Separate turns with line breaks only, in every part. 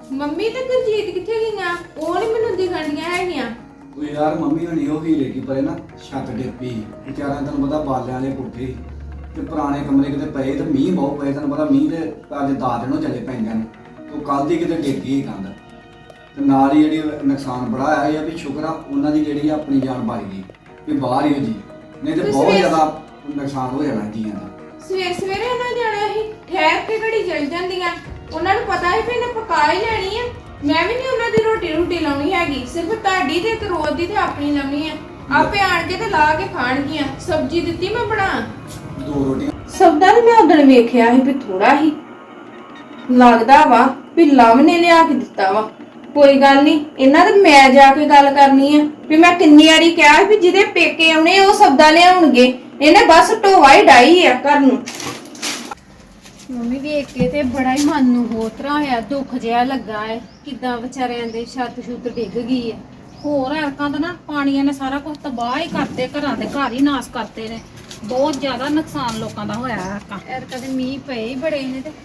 Mummy ਤੇ ਗੁਰਜੀਤ ਕਿੱਥੇ ਗਈਆਂ? ਉਹ ਨਹੀਂ ਮੈਨੂੰ ਦਿਖਣੀਆਂ ਹੈਗੀਆਂ।
ਉਹ ਯਾਰ ਮੰਮੀ ਹੋਣੀ ਉਹ ਹੀਰੇ ਕੀ ਪਰੇ ਨਾ ਛੱਤ ਡਿੱਪੀ ਵਿਚਾਰਿਆਂ ਤੈਨੂੰ ਪਤਾ ਬਾਲਿਆਂ ਵਾਲੇ ਕੋਠੇ ਤੇ ਪੁਰਾਣੇ ਕਮਰੇ ਕਿਤੇ ਪਏ ਤੇ ਮੀਂਹ ਬਹੁਤ ਪਏ ਤੈਨੂੰ ਪਤਾ ਮੀਂਹ ਦੇ ਅੱਜ 10 ਦਿਨ ਚੱਲੇ ਪੈਂਦੇ ਨੇ ਉਹ ਕੱਲ ਦੀ ਕਿਤੇ ਡਿੱਗ ਗਈ ਕੰਧ ਤੇ ਨਾਲ ਹੀ ਜਿਹੜੀ ਨੁਕਸਾਨ ਬੜਾ ਆਇਆ ਇਹ ਆ ਵੀ ਸ਼ੁਕਰ ਆ ਉਹਨਾਂ ਦੀ ਜਿਹੜੀ ਆਪਣੀ ਜਾਨ ਬਚ ਗਈ ਵੀ ਬਾਹਰ ਹੀ ਹੋ ਜੀ ਨਹੀਂ ਤੇ ਬਹੁਤ ਜ਼ਿਆਦਾ ਨੁਕਸਾਨ ਹੋ ਜਾਣਾ ਜੀਆਂ ਦਾ।
ਸਵੇਰੇ ਉਹਨਾਂ ਜਾਣਾ ਸੀ, ਠਹਿਰ ਕੇ ਘੜੀ ਚਲ ਜਾਂਦੀਆਂ। ਉਹਨਾਂ ਨੂੰ ਪਤਾ ਹੈ ਵੀ ਇਹਨੇ ਪਕਾ ਹੀ ਲੈਣੀ ਆ। ਮੈਂ ਵੀ ਨਹੀਂ ਉਹਨਾਂ ਦੀ ਰੋਟੀ ਲਾਉਣੀ ਹੈਗੀ, ਸਿਰਫ ਤੁਹਾਡੀ ਤੇ ਰੋਜ਼ ਦੀ ਤੇ ਆਪਣੀ ਲਾਉਣੀ ਆ। ਆਪੇ ਆਣ ਕੇ ਤੇ ਲਾ ਕੇ ਖਾਣਗੀਆਂ। ਸਬਜ਼ੀ ਦਿੱਤੀ ਮੈਂ ਬਣਾ
2 ਰੋਟੀਆਂ
ਸਬਦਾ ਤੇ ਮੈਂ ਉਦੋਂ ਵੇਖਿਆ ਸੀ ਵੀ ਥੋੜਾ ਹੀ ਲੱਗਦਾ ਵਾ ਵੀ ਲਵ ਨੇ ਲਿਆ ਕੇ ਦਿੱਤਾ ਵਾ। ਕੋਈ ਗੱਲ ਨਹੀਂ, ਇਹਨਾਂ ਤੇ ਮੈਂ ਜਾ ਕੇ ਗੱਲ ਕਰਨੀ ਆ ਵੀ ਮੈਂ ਕਿੰਨੀ ਵਾਰੀ ਕਿਹਾ ਵੀ ਜਿਹਦੇ ਪੇਕੇ ਆਉਣੇ ਉਹ ਸਬਦਾ ਲਿਆਉਣਗੇ। ਇਹਨੇ ਬਸ ਢੋਵਾ ਹੀ ਡਾਈ ਆ ਘਰ ਨੂੰ।
ਮੰਮੀ ਵੇਖ ਕੇ ਤੇ ਬੜਾ ਹੀ ਮਨ ਨੂੰ ਹੋਰ ਤਰ੍ਹਾਂ ਹੋਇਆ, ਦੁੱਖ ਜਿਹਾ ਲੱਗਾ ਹੈ। ਕਿੱਦਾਂ ਵਿਚਾਰਿਆਂ ਦੇ ਛੱਤ ਛੁੱਤ ਡਿੱਗ ਗਈ ਹੈ। ਹੋਰ ਐਰਕਾਂ ਦਾ ਨਾ ਪਾਣੀਆਂ ਨੇ ਸਾਰਾ ਕੁਝ ਤਬਾਹ ਹੀ ਕਰਤੇ, ਘਰਾਂ ਦੇ ਘਰ ਹੀ ਨਾਸ ਕਰਤੇ ਨੇ। ਬਹੁਤ ਜ਼ਿਆਦਾ ਨੁਕਸਾਨ ਲੋਕਾਂ ਦਾ ਹੋਇਆ ਐਰਕਾਂ ਦੇ ਮੀਂਹ ਪਏ ਹੀ ਬੜੇ ਨੇ ਤੇ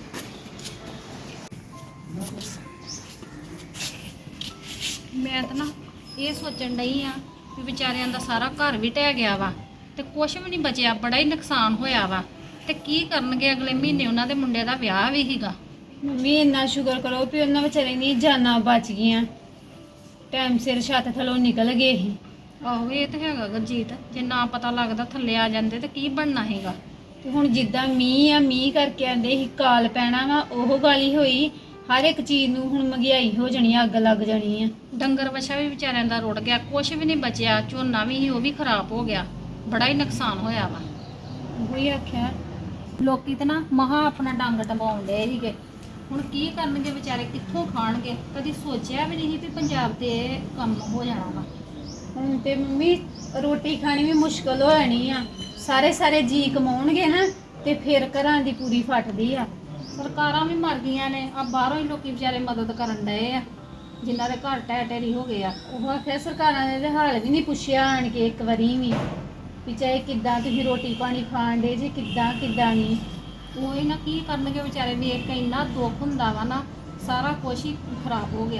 ਮੈਂ ਤਾਂ ਨਾ ਇਹ ਸੋਚਣ ਡਈ ਆ ਵੀ ਵਿਚਾਰਿਆਂ ਦਾ ਸਾਰਾ ਘਰ ਵੀ ਢਹਿ ਗਿਆ ਵਾ ਤੇ ਕੁਝ ਵੀ ਨਹੀਂ ਬਚਿਆ, ਬੜਾ ਹੀ ਨੁਕਸਾਨ ਹੋਇਆ ਵਾ। ਤੇ ਕੀ ਕਰਨਗੇ ਅਗਲੇ ਮਹੀਨੇ? ਉਹਨਾਂ ਦੇ ਮੁੰਡੇ ਦਾ ਵਿਆਹ ਵੀ ਸੀਗਾ। ਮੰਮੀ ਇੰਨਾ ਸ਼ੁਕਰ ਕਰੋ ਵੀ ਉਹਨਾਂ ਵਿਚਾਰੇ ਦੀ ਜਾਨਾਂ ਬਚ ਗਈਆਂ, ਟਾਈਮ ਸਿਰ ਛੱਤ ਥੱਲੋਂ ਨਿਕਲ ਗਏ ਸੀ। ਆਹੋ ਇਹ ਤਾਂ ਹੈਗਾ ਗੁਰਜੀਤ, ਜੇ ਨਾ ਪਤਾ ਲੱਗਦਾ ਥੱਲੇ ਆ ਜਾਂਦੇ ਤੇ ਕੀ ਬਣਨਾ ਹੈਗਾ। ਤੇ ਹੁਣ ਜਿੱਦਾਂ ਮੀਂਹ ਕਰਕੇ ਆਂਦੇ ਸੀ ਕਾਲ ਪੈਣਾ ਵਾ, ਉਹ ਗੱਲ ਹੀ ਹੋਈ। ਹਰ ਇੱਕ ਚੀਜ਼ ਨੂੰ ਹੁਣ ਮਹਿੰਗਾਈ ਹੋ ਜਾਣੀ, ਅੱਗ ਲੱਗ ਜਾਣੀ ਆ। ਡੰਗਰ ਵਛਾ ਵੀ ਵਿਚਾਰਿਆਂ ਦਾ ਰੁੜ ਗਿਆ, ਕੁਝ ਵੀ ਨਹੀਂ ਬਚਿਆ। ਝੋਨਾ ਵੀ ਸੀ ਉਹ ਵੀ ਖਰਾਬ ਹੋ ਗਿਆ, ਬੜਾ ਹੀ ਨੁਕਸਾਨ ਹੋਇਆ ਵਾ। ਉਹੀ ਆਖਿਆ ਲੋਕੀ ਤੇ ਨਾ ਮਹਾ ਆਪਣਾ ਡੰਗ ਟੰਬਾਉਣ ਡਏ ਸੀਗੇ। ਹੁਣ ਕੀ ਕਰਨਗੇ ਵਿਚਾਰੇ, ਕਿੱਥੋਂ ਖਾਣਗੇ? ਕਦੀ ਸੋਚਿਆ ਵੀ ਨਹੀਂ ਵੀ ਪੰਜਾਬ ਤੇ ਇਹ ਕੰਮ ਹੋ ਜਾਣਾ ਵਾ। ਹੁਣ ਤੇ ਮੰਮੀ ਰੋਟੀ ਖਾਣੀ ਵੀ ਮੁਸ਼ਕਲ ਹੋ ਜਾਣੀ ਆ। ਸਾਰੇ ਜੀ ਕਮਾਉਣਗੇ ਨਾ ਤੇ ਫਿਰ ਘਰਾਂ ਦੀ ਪੂਰੀ ਫਟਦੀ ਆ। ਸਰਕਾਰਾਂ ਵੀ ਮਰ ਗਈਆਂ ਨੇ, ਆ ਬਾਹਰੋਂ ਹੀ ਲੋਕੀ ਵਿਚਾਰੇ ਮਦਦ ਕਰਨ ਡਏ ਆ ਜਿਨ੍ਹਾਂ ਦੇ ਘਰ ਢਹਿ ਹੋ ਗਏ ਆ। ਉਹ ਆਖਿਆ ਸਰਕਾਰਾਂ ਨੇ ਤੇ ਹਾਲ ਵੀ ਨਹੀਂ ਪੁੱਛਿਆ ਆਣ ਕੇ ਇੱਕ ਵਾਰੀ ਵੀ ਚਾਹੇ ਕਿੱਦਾਂ ਤੁਸੀਂ ਰੋਟੀ ਪਾਣੀ ਖਾਣ ਦੇ ਜੇ ਕਿੱਦਾਂ ਨਹੀਂ। ਉਹ ਨਾ ਕੀ ਕਰਨਗੇ ਵਿਚਾਰੇ, ਵੇਖ ਕੇ ਇੰਨਾ ਦੁੱਖ ਹੁੰਦਾ ਵਾ ਨਾ, ਸਾਰਾ ਕੁਛ ਹੀ ਖਰਾਬ ਹੋ ਗਿਆ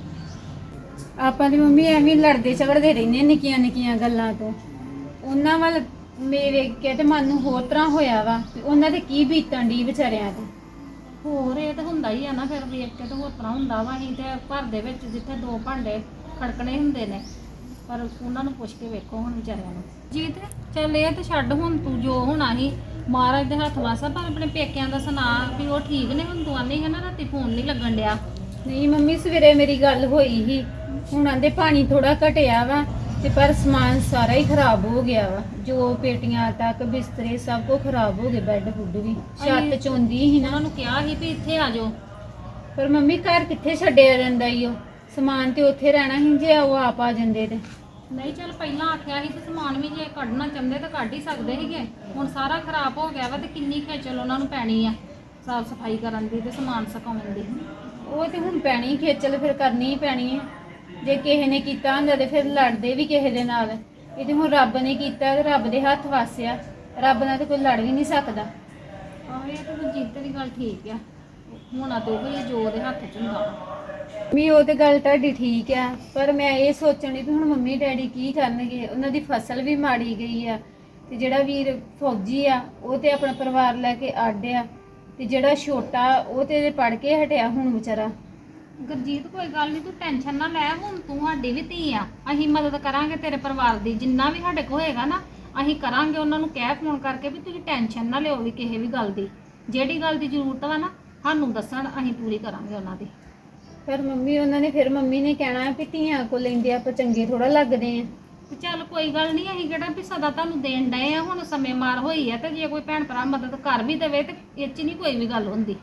ਵਾ। ਆਪਾਂ ਦੀ ਮੰਮੀ ਐਵੇਂ ਲੜਦੇ ਝਗੜਦੇ ਰਹਿੰਦੇ ਨਿੱਕੀਆਂ ਗੱਲਾਂ ਤੋਂ। ਉਹਨਾਂ ਵੱਲ ਮੇਰੇ ਵੇਖ ਕੇ ਤੇ ਮਨ ਨੂੰ ਹੋਰ ਤਰ੍ਹਾਂ ਹੋਇਆ ਵਾ ਵੀ ਉਹਨਾਂ ਦੇ ਕੀ ਬੀਤਣ ਦੀ ਵਿਚਾਰਿਆਂ ਤੇ। ਹੋਰ ਇਹ ਤਾਂ ਹੁੰਦਾ ਹੀ ਆ ਨਾ, ਫਿਰ ਵੇਖ ਕੇ ਤਾਂ ਹੋਰ ਤਰ੍ਹਾਂ ਹੁੰਦਾ ਵਾ। ਅਸੀਂ ਤੇ ਘਰ ਦੇ ਵਿੱਚ ਜਿੱਥੇ 2 ਭਾਂਡੇ ਖੜਕਣੇ ਹੁੰਦੇ ਨੇ, ਪਰ ਉਹਨਾਂ ਨੂੰ ਪੁੱਛ ਕੇ ਵੇਖੋ ਹੁਣ ਵਿਚਾਰਿਆਂ ਨੂੰ। ਜੀਤ ਚੱਲ ਇਹ ਤੇ ਛੱਡ, ਹੁਣ ਤੂੰ ਜੋ ਹੋਣਾ ਸੀ ਮਹਾਰਾਜ ਦੇ ਹੱਥ ਵਾਸਾ, ਪਰ ਆਪਣੇ ਪੇਕਿਆਂ ਦਾ ਸੁਣਾ ਵੀ ਉਹ ਠੀਕ ਨੇ। ਹੁਣ ਤੂੰ ਆਨੀ ਹੈ ਨਾ ਰਾਤੀ ਫੋਨ ਨਹੀਂ ਲੱਗਣ ਡਿਆ। ਨਹੀਂ ਮੰਮੀ ਸਵੇਰੇ ਮੇਰੀ ਗੱਲ ਹੋਈ ਸੀ, ਹੁਣ ਆਂਦੇ ਪਾਣੀ ਥੋੜਾ ਘਟਿਆ ਵਾ ਤੇ ਪਰ ਸਮਾਨ ਸਾਰਾ ਹੀ ਖਰਾਬ ਹੋ ਗਿਆ ਵਾ। ਜੋ ਪੇਟੀਆਂ ਤੱਕ ਬਿਸਤਰੇ ਸਭ ਕੁਝ ਖਰਾਬ ਹੋ ਗਏ, ਬੈੱਡ ਬੁੱਡ ਵੀ। ਛੱਤ ਚੋਂਦੀ ਸੀ ਨਾ, ਉਹਨਾਂ ਨੂੰ ਕਿਹਾ ਸੀ ਵੀ ਇੱਥੇ ਆ ਜਾਓ, ਪਰ ਮੰਮੀ ਘਰ ਕਿੱਥੇ ਛੱਡਿਆ ਜਾਂਦਾ ਈ। ਉਹ ਸਮਾਨ ਤੇ ਉੱਥੇ ਰਹਿਣਾ ਸੀ ਜੇ ਉਹ ਆਪ ਆ ਜਾਂਦੇ ਤੇ। ਨਹੀਂ ਚੱਲ ਪਹਿਲਾਂ ਆਖਿਆ ਸੀ ਤੇ ਸਮਾਨ ਵੀ ਜੇ ਕੱਢਣਾ ਚਾਹੁੰਦੇ ਤਾਂ ਕੱਢ ਹੀ ਸਕਦੇ ਸੀਗੇ। ਹੁਣ ਸਾਰਾ ਖਰਾਬ ਹੋ ਗਿਆ ਵਾ ਤੇ ਕਿੰਨੀ ਖੇਚਲ ਉਹਨਾਂ ਨੂੰ ਪੈਣੀ ਆ ਸਾਫ ਸਫਾਈ ਕਰਨ ਦੀ ਤੇ ਸਮਾਨ ਸੁਕਾਉਣ ਦੀ। ਉਹ ਤੇ ਹੁਣ ਪੈਣੀ ਖੇਚਲ, ਫਿਰ ਕਰਨੀ ਹੀ ਪੈਣੀ ਹੈ। ਜੇ ਕਿਸੇ ਨੇ ਕੀਤਾ ਹੁੰਦਾ ਤੇ ਫਿਰ ਲੜਦੇ ਵੀ ਕਿਸੇ ਦੇ ਨਾਲ। ਇਹ ਤੇ ਹੁਣ ਰੱਬ ਨੇ ਕੀਤਾ ਤੇ ਰੱਬ ਦੇ ਹੱਥ ਵਾਸਿਆ, ਰੱਬ ਨਾਲ ਤੇ ਕੋਈ ਲੜ ਵੀ ਨਹੀਂ ਸਕਦਾ। ਆਹ ਇਹ ਤਾਂ ਗੁਰਜੀਤ ਦੀ ਗੱਲ ਠੀਕ ਆ, ਹੋਣਾ ਤੇ ਉਹ ਜੋ ਉਹਦੇ ਹੱਥ 'ਚ ਹੁੰਦਾ। ਵੀ ਉਹ ਤੇ ਗੱਲ ਤੁਹਾਡੀ ਠੀਕ ਆ, ਪਰ ਮੈਂ ਇਹ ਸੋਚਣ ਦੀ ਵੀ ਹੁਣ ਮੰਮੀ ਡੈਡੀ ਕੀ ਕਰਨਗੇ। ਉਹਨਾਂ ਦੀ ਫਸਲ ਵੀ ਮਾੜੀ ਗਈ ਆ ਤੇ ਜਿਹੜਾ ਵੀਰ ਫੌਜੀ ਆ ਉਹ ਤੇ ਆਪਣਾ ਪਰਿਵਾਰ ਲੈ ਕੇ ਅੱਡ ਆ, ਤੇ ਜਿਹੜਾ ਛੋਟਾ ਉਹ ਤੇ ਪੜ੍ਹ ਕੇ ਹਟਿਆ ਹੁਣ ਵਿਚਾਰਾ। ਗੁਰਜੀਤ ਕੋਈ ਗੱਲ ਨਹੀਂ, ਤੂੰ ਟੈਨਸ਼ਨ ਨਾ ਲੈ। ਹੁਣ ਤੂੰ ਸਾਡੀ ਵੀ ਧੀ ਆ, ਅਸੀਂ ਮਦਦ ਕਰਾਂਗੇ ਤੇਰੇ ਪਰਿਵਾਰ ਦੀ ਜਿੰਨਾ ਵੀ ਸਾਡੇ ਕੋਲ ਹੋਏਗਾ ਨਾ, ਅਸੀਂ ਕਰਾਂਗੇ। ਉਹਨਾਂ ਨੂੰ ਕਹਿ ਫੋਨ ਕਰਕੇ ਵੀ ਤੁਸੀਂ ਟੈਨਸ਼ਨ ਨਾ ਲਿਓ ਵੀ ਕਿਸੇ ਵੀ ਗੱਲ ਦੀ, ਜਿਹੜੀ ਗੱਲ ਦੀ ਜ਼ਰੂਰਤ ਵਾ ਨਾ ਸਾਨੂੰ ਦੱਸਣ, ਅਸੀਂ ਪੂਰੀ ਕਰਾਂਗੇ ਉਹਨਾਂ ਦੀ। ਪਰ ਮੰਮੀ ਉਹਨਾਂ ਨੇ ਫਿਰ ਮੰਮੀ ਨੇ ਕਹਿਣਾ ਵੀ ਧੀਆਂ ਕੋਲ ਲੈਂਦੇ ਆਪਾਂ ਚੰਗੇ ਥੋੜਾ ਲੱਗਦੇ ਆ। ਚੱਲ ਕੋਈ ਗੱਲ ਨਹੀਂ, ਅਸੀਂ ਕਿਹੜਾ ਵੀ ਸਦਾ ਤੁਹਾਨੂੰ ਦੇਣ ਡਏ ਆ। ਹੁਣ ਸਮੇਂ ਮਾਰ ਹੋਈ ਆ ਤੇ ਜੇ ਕੋਈ ਭੈਣ ਭਰਾ ਮਦਦ ਕਰ ਵੀ ਦੇਵੇ ਤੇ ਇਹ 'ਚ ਨਹੀਂ ਕੋਈ ਵੀ ਗੱਲ ਹੁੰਦੀ।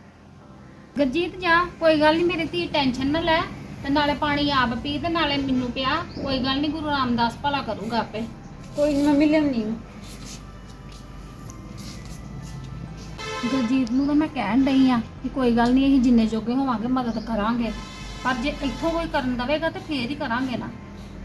ਗੁਰਜੀਤ ਜਾ, ਕੋਈ ਗੱਲ ਨਹੀਂ ਮੇਰੀ ਧੀ, ਟੈਨਸ਼ਨ ਨਾ ਲੈ। ਤੇ ਨਾਲੇ ਪਾਣੀ ਆਪ ਪੀ ਤੇ ਨਾਲੇ ਮੈਨੂੰ ਪਿਆ। ਕੋਈ ਗੱਲ ਨਹੀਂ, ਗੁਰੂ ਰਾਮਦਾਸ ਭਲਾ ਕਰੂਗਾ ਆਪੇ। ਕੋਈ ਨਹੀਂ ਮੰਮੀ, ਲਿਆਉਣੀ ਗੁਰਜੀਤ ਨੂੰ ਤਾਂ ਮੈਂ ਕਹਿਣ ਡਈ ਆ ਕਿ ਕੋਈ ਗੱਲ ਨਹੀਂ, ਅਸੀਂ ਜਿੰਨੇ ਜੋਗੇ ਹੋਵਾਂਗੇ ਮਦਦ ਕਰਾਂਗੇ, ਪਰ ਜੇ ਇੱਥੋਂ ਕੋਈ ਕਰਨ ਦਵੇਗਾ ਤੇ ਫੇਰ ਹੀ ਕਰਾਂਗੇ ਨਾ।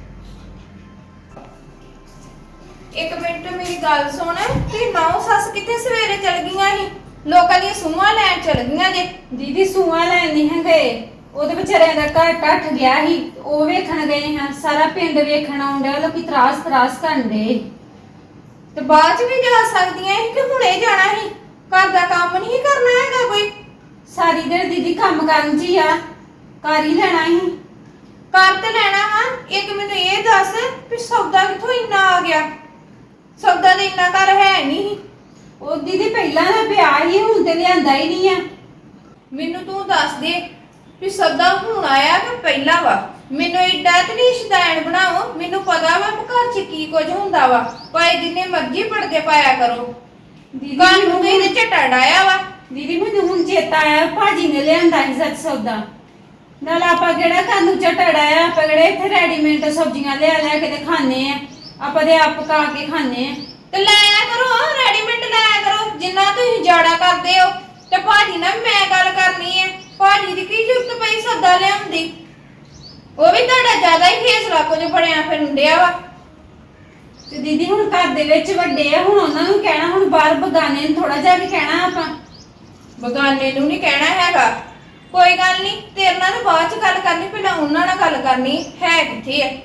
ਇੱਕ ਮਿੰਟ ਮੇਰੀ ਗੱਲ ਸੁਣ, ਤੇ ਨੌ ਸੱਸ ਕਿੱਥੇ ਸਵੇਰੇ ਚਲ ਗਈਆਂ ਸੀ? ਲੋਕਾਂ ਦੀਆਂ ਸੂਹਾਂ ਲੈਣ ਚਲ ਗਈਆਂ ਜੇ।
ਦੀਦੀ ਸੂਆਂ ਲੈਣ ਨਹੀਂ ਹੈ ਗਏ,
ਉਹਦੇ ਵਿਚਾਰਿਆਂ ਦਾ ਘਰ ਟੱਟ ਗਿਆ ਸੀ, ਉਹ ਵੇਖਣ ਗਏ ਹਾਂ, ਸਾਰਾ ਪਿੰਡ ਵੇਖਣ ਆਉਂਦਾ, ਲੋਕੀ ਤਰਾਸ ਕਰਨ ਦੇ।
ਤੇ ਬਾਅਦ ਚ ਵੀ ਜਾ ਸਕਦੀਆਂ ਸੀ ਕਿ ਹੁਣੇ ਜਾਣਾ ਸੀ? ਘਰ ਦਾ ਕੰਮ ਨਹੀਂ ਕਰਨਾ ਹੈਗਾ ਕੋਈ?
ਸਾਰੀ ਦਿਨ ਦੀਦੀ ਕੰਮ ਕਰਨ ਚ ਹੀ ਆ, ਕਰ ਹੀ ਲੈਣਾ ਸੀ।
ਕਰ ਤੇ ਲੈਣਾ ਵਾ, ਇੱਕ ਮੈਨੂੰ ਇਹ ਦੱਸ ਵੀ ਸੌਦਾ ਕਿੱਥੋਂ ਇੰਨਾ ਆ ਗਿਆ? ਸੌਦਾ ਤੇ ਇੰਨਾ ਘਰ ਹੈ ਨਹੀਂ।
ਉਹ ਦੀਦੀ ਪਹਿਲਾਂ ਦਾ ਪਿਆ ਹੀ, ਹੁਣ ਤੇ ਲਿਆਂਦਾ ਹੀ ਨਹੀਂ ਆ।
ਮੈਨੂੰ ਤੂੰ ਦੱਸ ਦੇ ਵੀ ਸੌਦਾ ਹੁਣ ਆਇਆ ਕਿ ਪਹਿਲਾਂ ਵਾ? ਮੈਨੂੰ ਏਡਾ ਤੇ ਨਹੀਂ ਸ਼ੈਤਾਨ ਬਣਾਓ, ਮੈਨੂੰ ਪਤਾ ਵਾ ਘਰ 'ਚ ਕੀ ਕੁਝ ਹੁੰਦਾ ਵਾ। ਭਾਵੇਂ ਜਿੰਨੇ ਮਰਜ਼ੀ ਪੜਦੇ ਪਾਇਆ ਕਰੋ,
ਦੀਦੀ
ਘਰ ਨੂੰ ਤੇ ਇਹਦੇ ਝਟਾ ਡਾਇਆ ਵਾ।
ਦੀਦੀ ਮੈਨੂੰ ਹੁਣ ਚੇਤਾ ਆਇਆ, ਭਾਜੀ ਨੇ ਲਿਆਂਦਾ ਸੀ ਸੱਚ ਸੌਦਾ। ਨਾਲ ਆਪਾਂ ਕਿਹੜਾ ਘਰ ਨੂੰ ਝਟੜਾ ਆ, ਆਪਾਂ ਕਿਹੜੇ ਇੱਥੇ ਰੈਡੀਮੇਡ ਸਬਜ਼ੀਆਂ ਲਿਆ ਕੇ ਤੇ ਖਾਣੇ ਆ, ਆਪਾਂ ਤੇ ਆਪ ਪਕਾ ਕੇ ਖਾਣੇ ਆ।
ਤੇ ਲਾਇਆ ਕਰੋ, ਰੈਡੀਮੇਡ ਲਾਇਆ ਕਰੋ ਜਿੰਨਾ ਤੁਸੀਂ ਜਾੜਾ ਕਰਦੇ ਹੋ। ਤੇ ਭਾਜੀ ਨਾਲ ਮੈਂ ਗੱਲ ਕਰਨੀ ਹੈ, ਭਾਜੀ ਦੀ ਕੀ ਜ਼ਰੂਰਤ ਪਈ ਸੌਦਾ ਲਿਆਉਂਦੀ? ਉਹ ਵੀ ਤੁਹਾਡਾ ਜ਼ਿਆਦਾ ਹੀ ਫੇਸਲਾ ਕੁਝ ਬਣਿਆ ਫਿਰਨ ਡਿਆ ਵਾ।
ਤੇ ਦੀਦੀ ਹੁਣ ਘਰ ਦੇ ਵਿੱਚ ਵੱਡੇ ਆ, ਹੁਣ ਉਹਨਾਂ ਨੂੰ ਕਹਿਣਾ, ਹੁਣ ਬਾਹਰ ਬਗਾਨੇ ਨੂੰ ਥੋੜਾ ਜਿਹਾ ਵੀ ਕਹਿਣਾ ਆਪਾਂ।
ਬਗਾਨੇ ਨੂੰ ਨਹੀਂ ਕਹਿਣਾ ਹੈਗਾ, ਕੋਈ ਗੱਲ ਨਹੀਂ, ਤੇਰੇ ਨਾਲ ਬਾਅਦ ਚ ਗੱਲ ਕਰਨੀ, ਪਹਿਲਾਂ ਉਹਨਾਂ ਨਾਲ ਗੱਲ ਕਰਨੀ ਹੈ। ਕਿੱਥੇ ਹੈ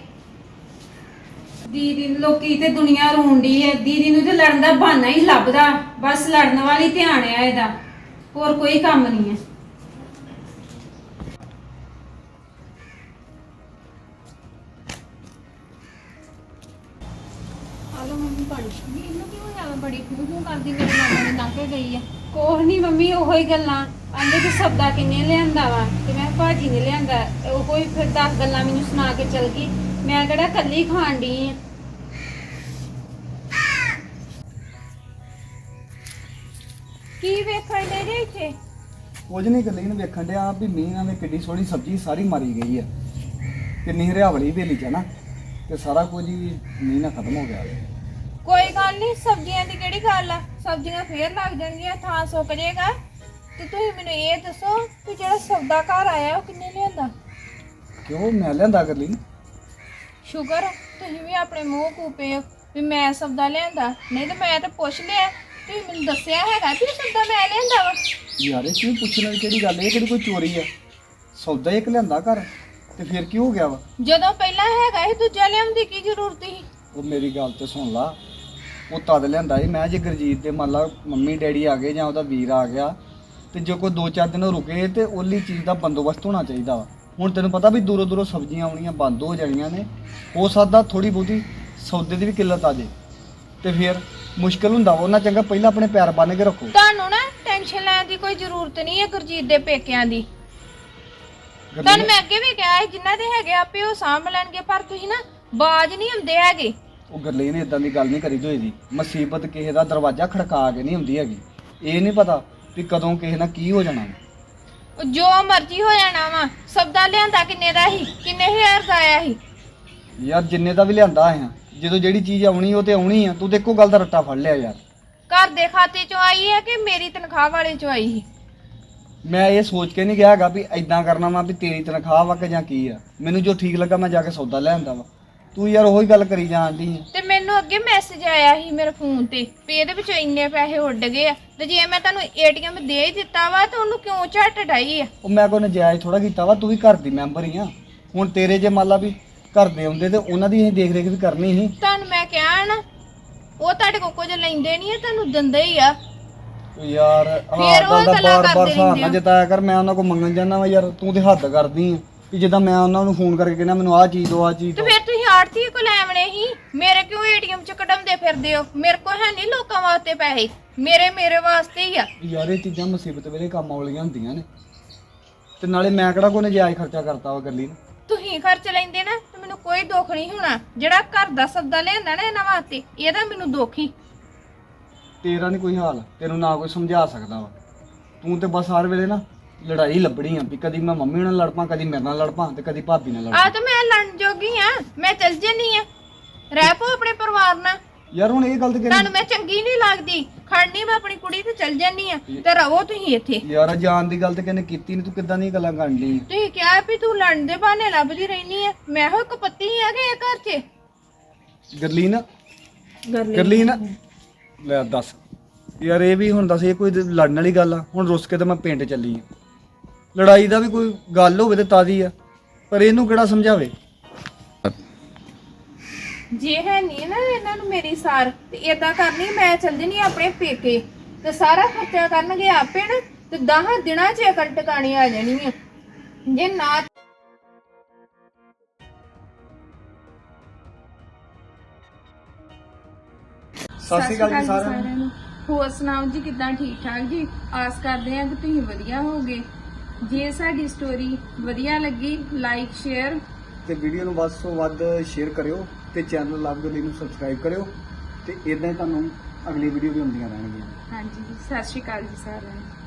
ਦੀਦੀ? ਲੋਕੀ ਤੇ ਦੁਨੀਆ ਰੋਂਦੀ ਹੈ, ਦੀਦੀ ਨੂੰ ਤੇ ਲੜਨ ਦਾ ਬਹਾਨਾ ਹੀ ਲੱਭਦਾ, ਬਸ ਲੜਨ ਵਾਲੀ ਧਿਆਨ ਆ ਇਹਦਾ, ਹੋਰ ਕੋਈ ਕੰਮ ਨਹੀਂ ਹੈ।
ਆਲੋ ਮੰਮੀ ਪਾਣੀ ਨਹੀਂ, ਇਹਨੂੰ ਕੀ ਹੋਇਆ ਵਾ? ਬੜੀ ਖੂਹ ਕਰਦੀ ਮੇਰੇ ਮਾਮਾ ਨੇ ਲੰਘ ਕੇ ਗਈ ਆ।
ਕੋਹ ਨਹੀਂ ਮੰਮੀ, ਉਹੋ ਹੀ ਗੱਲਾਂ ਆਂਦੇ ਕਿ ਸਬਦਾ ਕਿੰਨੇ ਲਿਆਂਦਾ ਵਾ, ਤੇ ਮੈਂ ਭਾਜੀ ਨੇ ਲਿਆਂਦਾ, ਉਹੋ ਹੀ ਫਿਰ 10 ਗੱਲਾਂ ਮੈਨੂੰ ਸੁਣਾ ਕੇ ਚਲ ਗਈ। ਮੈਂ ਕਿਹੜਾ ਕੱਲੀ ਖਾਣ ਡਈ ਆ।
ਕੀ ਵੇਖਣ ਦੇ ਜੇ ਇੱਥੇ?
ਕੁਝ ਨਹੀਂ ਗੱਲੀ ਨੂੰ ਵੇਖਣ ਡਿਆ ਵੀ ਮੀਂਹ ਨਾਲ ਕਿੱਡੀ ਸੋਹਣੀ ਸਬਜ਼ੀ ਸਾਰੀ ਮਾਰੀ ਗਈ ਆ, ਕਿੰਨੀ ਹਰਿਆਵਲੀ ਵੇਲੀ ਚ ਨਾ, ਤੇ ਸਾਰਾ ਕੁਝ ਹੀ ਮੀਂਹ ਨਾਲ ਖਤਮ ਹੋ ਗਿਆ।
ਕੋਈ ਗੱਲ ਨਹੀਂ, ਸਬਜ਼ੀਆਂ ਦੀ ਕਿਹੜੀ ਗੱਲ ਆ? ਸਬਜ਼ੀਆਂ ਫੇਰ ਲੱਗ ਜਾਣਗੀਆਂ, ਥਾਂ ਸੁੱਕ ਜਾਏਗਾ। ਤੇ ਤੁਸੀਂ ਮੈਨੂੰ ਇਹ ਦੱਸੋ ਕਿ ਜਿਹੜਾ ਸੌਦਾ ਘਰ ਆਇਆ ਉਹ ਕਿੰਨੇ ਲਿਆਂਦਾ?
ਕਿਉਂ ਮੈਂ ਲਿਆਂਦਾ ਗੱਲੀ?
ਸ਼ੁਕਰ ਤੁਸੀਂ ਵੀ ਆਪਣੇ ਮੂੰਹ ਕੂਪੇ ਹੋ ਵੀ ਮੈਂ ਸੌਦਾ ਲਿਆਂਦਾ, ਨਹੀਂ ਤਾਂ ਮੈਂ ਤਾਂ ਪੁੱਛ ਲਿਆ। ਤੁਸੀਂ ਮੈਨੂੰ ਦੱਸਿਆ ਹੈਗਾ ਕਿ ਸੌਦਾ ਮੈਂ ਲਿਆਂਦਾ ਵਾ।
ਯਾਰ ਇਹ ਕਿਉਂ ਪੁੱਛਣ ਵਾਲੀ ਕਿਹੜੀ ਗੱਲ? ਇਹ ਕਿਹੜੀ ਕੋਈ ਚੋਰੀ ਆ? ਸੌਦਾ ਇੱਕ ਲਿਆਂਦਾ ਘਰ, ਤੇ ਫਿਰ ਕੀ ਹੋ ਗਿਆ ਵਾ?
ਜਦੋਂ ਪਹਿਲਾਂ ਹੈਗਾ ਸੀ ਦੂਜਾ ਲਿਆਉਣ ਦੀ ਕੀ ਜ਼ਰੂਰਤ ਸੀ?
ਉਹ ਮੇਰੀ ਗੱਲ ਤੇ ਸੁਣ ਲਾ, ਉਹ ਤਦ ਲਿਆਂਦਾ ਸੀ ਮੈਂ ਜੇ ਗੁਰਜੀਤ ਦੇ ਮੰਨ ਲਾ ਮੰਮੀ ਡੈਡੀ ਆ ਗਏ ਜਾਂ ਉਹਦਾ ਵੀਰ ਆ ਗਿਆ, ਤੇ ਜੇ ਕੋਈ 2-4 ਦਿਨ ਰੁਕੇ ਤੇ ਉਹਲੀ ਚੀਜ਼ ਦਾ ਬੰਦੋਬਸਤ ਹੋਣਾ ਚਾਹੀਦਾ ਵਾ। ਹੁਣ ਤੈਨੂੰ ਪਤਾ ਵੀ ਦੂਰੋਂ ਦੂਰੋਂ ਸਬਜ਼ੀਆਂ ਆਉਣੀਆਂ ਬੰਦ ਹੋ ਜਾਣੀਆਂ ਨੇ, ਹੋ ਸਕਦਾ ਥੋੜੀ ਬਹੁਤੀ ਸੌਦੇ ਦੀ ਵੀ ਕਿੱਲਤ ਆ ਜੇ, ਤੇ ਫਿਰ ਮੁਸ਼ਕਲ ਹੁੰਦਾ ਵਾ। ਉਹਨਾਂ ਚੰਗਾ ਪਹਿਲਾਂ ਆਪਣੇ ਪੈਰ ਬੰਨ ਕੇ ਰੱਖੋ।
ਤੁਹਾਨੂੰ ਨਾ ਟੈਨਸ਼ਨ ਲੈਣ ਦੀ ਕੋਈ ਜ਼ਰੂਰਤ ਨਹੀਂ ਹੈ ਗੁਰਜੀਤ ਦੇ ਪੇਕਿਆਂ ਦੀ। ਤੁਹਾਨੂੰ ਮੈਂ ਅੱਗੇ ਵੀ ਕਿਹਾ ਸੀ ਜਿਨ੍ਹਾਂ ਦੇ ਹੈਗੇ ਆਪੇ ਉਹ ਸਾਂਭ ਲੈਣਗੇ, ਪਰ ਤੁਸੀਂ ਨਾ ਬਾਜ ਨਹੀਂ ਹੁੰਦੇ ਹੈਗੇ।
ਉਹ ਗੱਲੇ ਨੇ ਇਦਾਂ ਦੀ ਗੱਲ ਨਹੀਂ ਕਰੀ ਹੋਈ ਦੀ। ਮੁਸੀਬਤ ਕਿਸੇ ਦਾ ਦਰਵਾਜ਼ਾ ਖੜਕਾ ਕੇ ਨਹੀਂ ਹੁੰਦੀ ਹੈਗੀ। ਇਹ ਨਹੀਂ ਪਤਾ ਵੀ ਕਦੋਂ ਕਿਸੇ ਨਾਲ ਕੀ ਹੋ ਜਾਣਾ।
ਜੋ ਮਰਜ਼ੀ ਹੋ ਜਾਣਾ ਵਾ। ਸਬਦਾ ਲਿਆਂਦਾ ਕਿੰਨੇ ਦਾ ਸੀ? ਕਿੰਨੇ ਹਜ਼ਾਰ ਦਾ ਆਇਆ ਸੀ?
ਯਾਰ ਜਿੰਨੇ ਦਾ ਵੀ ਲਿਆਂਦਾ ਆ, ਜਦੋਂ ਜਿਹੜੀ ਚੀਜ਼ ਆਉਣੀ ਉਹ ਤੇ ਆਉਣੀ ਆ। ਤੂੰ ਤੇ ਇੱਕੋ ਗੱਲ ਦਾ ਰੱਟਾ ਫੜ ਲਿਆ ਯਾਰ।
ਘਰ ਦੇ ਖਾਤੇ ਚੋਂ ਆਈ ਹੈ ਕਿ ਮੇਰੀ ਤਨਖਾਹ ਵਾਲੇ ਚੋਂ ਆਈ ਸੀ?
ਮੈਂ ਇਹ ਸੋਚ ਕੇ ਨਹੀਂ ਗਿਆ ਹੈਗਾ ਵੀ ਐਦਾਂ ਕਰਨਾ ਵਾ ਵੀ ਤੇਰੀ ਤਨਖਾਹ ਵਾ ਕਿ ਜਾਂ ਕੀ ਆ। ਮੈਨੂੰ ਜੋ ਠੀਕ ਲੱਗਾ ਮੈਂ ਜਾ ਕੇ ਸੌਦਾ ਲੈ ਆਂਦਾ ਵਾ। ਤੂੰ ਯਾਰ ਉਹੀ ਗੱਲ ਕਰੀ ਜਾਂਦੀ ਆ।
ਤੇ ਮੈਨੂੰ ਅੱਗੇ ਮੈਸੇਜ ਆਇਆ ਸੀ ਮੇਰੇ ਫੋਨ ਤੇ ਵੀ ਇਹਦੇ ਵਿੱਚੋਂ ਇੰਨੇ ਪੈਸੇ ਉੱਡ ਗਏ ਆ, ਤੇ ਜੇ ਮੈਂ ਤੁਹਾਨੂੰ ਏਟੀਐਮ ਦੇ ਹੀ ਦਿੱਤਾ ਵਾ ਤਾਂ ਉਹਨੂੰ ਕਿਉਂ ਝੱਟ ਡਾਈ ਆ?
ਉਹ ਮੈਂ ਕੋਈ ਨਜਾਇਜ਼ ਥੋੜਾ ਕੀਤਾ ਵਾ। ਤੂੰ ਵੀ ਘਰ ਦੀ ਮੈਂਬਰ ਹੀ ਆ। ਹੁਣ ਤੇਰੇ ਜੇ ਮੰਨ ਲਾ ਵੀ ਘਰ ਦੇ ਆਉਂਦੇ ਤੇ ਉਹਨਾਂ ਦੀ ਅਸੀਂ ਦੇਖ ਰੇਖ ਵੀ ਕਰਨੀ ਸੀ।
ਤੁਹਾਨੂੰ ਮੈਂ ਕਿਹਾ ਨਾ, ਉਹ ਤੁਹਾਡੇ ਕੋਲ ਕੁਝ ਲੈਂਦੇ ਨਹੀਂ ਆ, ਤੁਹਾਨੂੰ ਦਿੰਦੇ ਹੀ ਆ।
ਯਾਰ
ਫਿਰ ਉਹ
ਗੱਲ ਦਾ
ਗੱਲਾਂ
ਬਾਰ-ਬਾਰ
ਕਰਦੇ
ਹਿਸਾਬ
ਰਹਿੰਦੇ
ਨਾ
ਆ।
ਜਤਾਇਆ ਕਰ। ਮੈਂ ਉਹਨਾਂ ਕੋਲ ਮੰਗਣ ਜਾਂਦਾ ਵਾ ਯਾਰ। ਤੂੰ ਤੇ ਹੱਦ ਕਰਦੀ ਆ ਕਿ ਜਿੱਦਾਂ ਮੈਂ ਉਹਨਾਂ ਨੂੰ ਫੋਨ ਕਰਕੇ ਕਹਿੰਦਾ ਮੈਨੂੰ ਆਹ ਚੀਜ਼ ਦੋ ਆਹ ਚੀਜ਼
ਤੇ
ਦੋ।
ਫਿਰ ਤੁਸੀਂ ਆੜਤੀ ਕੋਲ ਐਵਣੇ ਹੀ ਮੇਰੇ ਕਿਉਂ ਏਟੀਐਮ ਚ ਕਢਾਉਂਦੇ ਫਿਰਦੇ ਹੋ? ਮੇਰੇ ਕੋਲ ਹੈ ਨਹੀਂ ਲੋਕਾਂ ਵਾਸਤੇ ਪੈਸੇ, ਮੇਰੇ ਵਾਸਤੇ ਹੀ ਆ।
ਯਾਰ ਇਹ ਚੀਜ਼ਾਂ ਮੁਸੀਬਤ ਵੇਲੇ ਕੰਮ ਵਾਲੀਆਂ ਹੁੰਦੀਆਂ ਨੇ, ਤੇ ਨਾਲੇ ਮੈਂ ਕਿਹੜਾ ਕੋਈ ਨਜਾਇਜ਼ ਖਰਚਾ ਕਰਤਾ ਵਾ ਗੱਲੀ ਨੂੰ।
ਤੁਸੀਂ ਖਰਚ ਲੈਂਦੇ ਨਾ ਤੇ ਮੈਨੂੰ ਕੋਈ ਦੁੱਖ ਨਹੀਂ ਹੋਣਾ। ਜਿਹੜਾ ਘਰ ਦਾ ਸੌਦਾ ਲਿਆਂਦਾ ਨਾ ਇਹਨਾਂ ਵਾਸਤੇ, ਇਹਦਾ ਮੈਨੂੰ ਦੁੱਖ ਹੀ।
ਤੇਰਾ ਨਹੀਂ ਕੋਈ ਹਾਲ, ਤੈਨੂੰ ਨਾ ਕੋਈ ਸਮਝਾ ਸਕਦਾ ਵਾ। ਤੂੰ ਤੇ ਬਸ ਹਰ ਵੇਲੇ ਨਾ ਲੜਾਈ ਲੱਭਣੀ ਆ ਵੀ ਕਦੀ ਮੈਂ ਮੰਮੀ ਨਾਲ ਲੜ ਪਾਂ, ਕਦੀ ਮੇਰੇ ਨਾਲ ਲੜ ਪਾਂ, ਤੇ ਕਦੀ ਭਾਬੀ ਨਾਲ ਲੜ
ਆ
ਪਾਂ।
ਤਾਂ ਮੈਂ ਲੜਨ ਜੋਗੀ ਆ, ਮੈਂ ਚੱਲ ਜੰਨੀ ਆ। ਰਹਿ ਪੋ ਆਪਣੇ ਪਰਿਵਾਰ ਨਾਲ।
ਯਾਰ ਹੁਣ ਇਹ ਗੱਲ ਤੇ
ਤੁਹਾਨੂੰ ਮੈਂ ਚੰਗੀ ਨਹੀਂ ਲੱਗਦੀ, ਖੜਨੀ ਮੈਂ ਆਪਣੀ ਕੁੜੀ ਤੇ ਚੱਲ ਜੰਨੀ ਆ ਤੇ ਰਹੋ ਤੁਸੀਂ ਇੱਥੇ।
ਯਾਰ ਜਾਣ ਦੀ ਗੱਲ ਤੇ ਕਿਹਨੇ ਕੀਤੀ ਨਹੀਂ। ਤੂੰ ਕਿੱਦਾਂ ਦੀਆਂ ਗੱਲਾਂ ਕਰਨ ਲਈ?
ਤੁਸੀਂ ਕਿਹਾ ਵੀ ਤੂੰ ਲੜਨ ਦੇ ਬਹਾਨੇ ਲੱਭਦੀ ਰਹਿਨੀ ਆ। ਮੈਂ ਹੋ ਕਪੱਤੀ ਆ ਗਏ ਘਰ 'ਚ।
ਗਰਲੀਨ ਗਰਲੀਨ ਲੈ ਦੱਸ ਯਾਰ, ਇਹ ਵੀ ਹੁਣ ਦੱਸ, ਇਹ ਕੋਈ ਲੜਨ ਵਾਲੀ ਗੱਲ ਆ? ਹੁਣ ਰੁੱਸ ਕੇ ਤਾਂ ਮੈਂ ਪਿੰਡ ਚੱਲੀ ਆ। ਲੜਾਈ ਦਾ ਵੀ ਕੋਈ ਗੱਲ ਹੋਵੇ ਤੇ ਤਾਦੀ ਆ, ਪਰ ਇਹਨੂੰ ਕਿਹੜਾ ਸਮਝਾਵੇ।
ਜੇ ਹੈ ਨਹੀਂ ਨਾ ਇਹਨਾਂ ਨੂੰ ਮੇਰੀ ਸਾਰ ਤੇ ਏਦਾਂ ਕਰਨੀ, ਮੈਂ ਚੱਲ ਜਣੀ ਆਪਣੇ ਪੇਕੇ ਤੇ ਸਾਰਾ ਖਰਚਾ ਕਰਨਗੇ ਆਪੇ ਨਾ, ਤੇ 10 ਦਿਨਾਂ 'ਚ ਅਕਲ ਟਿਕਾਣੀ ਆ ਜਾਣੀ ਆ। ਜੇ ਨਾ
ਸਤਿ ਸ਼੍ਰੀ ਅਕਾਲ ਜੀ ਸਾਰਿਆਂ ਨੂੰ।
ਹੋਰ ਸੁਣਾਓ ਜੀ, ਕਿੱਦਾਂ? ਠੀਕ ਠਾਕ ਜੀ। ਆਸ ਕਰਦੇ ਹਾਂ ਕਿ ਤੁਸੀਂ ਵਧੀਆ ਹੋਗੇ। ਜੇ ਸਾਡੀ ਸਟੋਰੀ ਵਧੀਆ ਲੱਗੀ, ਲਾਈਕ ਸ਼ੇਅਰ
ਤੇ ਵੀਡੀਓ ਨੂੰ ਵੱਧ ਤੋਂ ਵੱਧ ਸ਼ੇਅਰ ਕਰਿਓ ਤੇ ਚੈਨਲ ਲਵ ਗਲੀ ਨੂੰ ਸਬਸਕ੍ਰਾਈਬ ਕਰਿਓ ਤੇ ਇਦਾਂ ਹੀ ਤੁਹਾਨੂੰ ਅਗਲੀ ਵੀਡੀਓ ਵੀ ਹੁੰਦੀਆਂ ਰਹਿਣਗੀਆਂ।
ਹਾਂਜੀ, ਸਤਿ ਸ਼੍ਰੀ ਅਕਾਲ ਜੀ ਸਾਰਿਆਂ ਨੂੰ।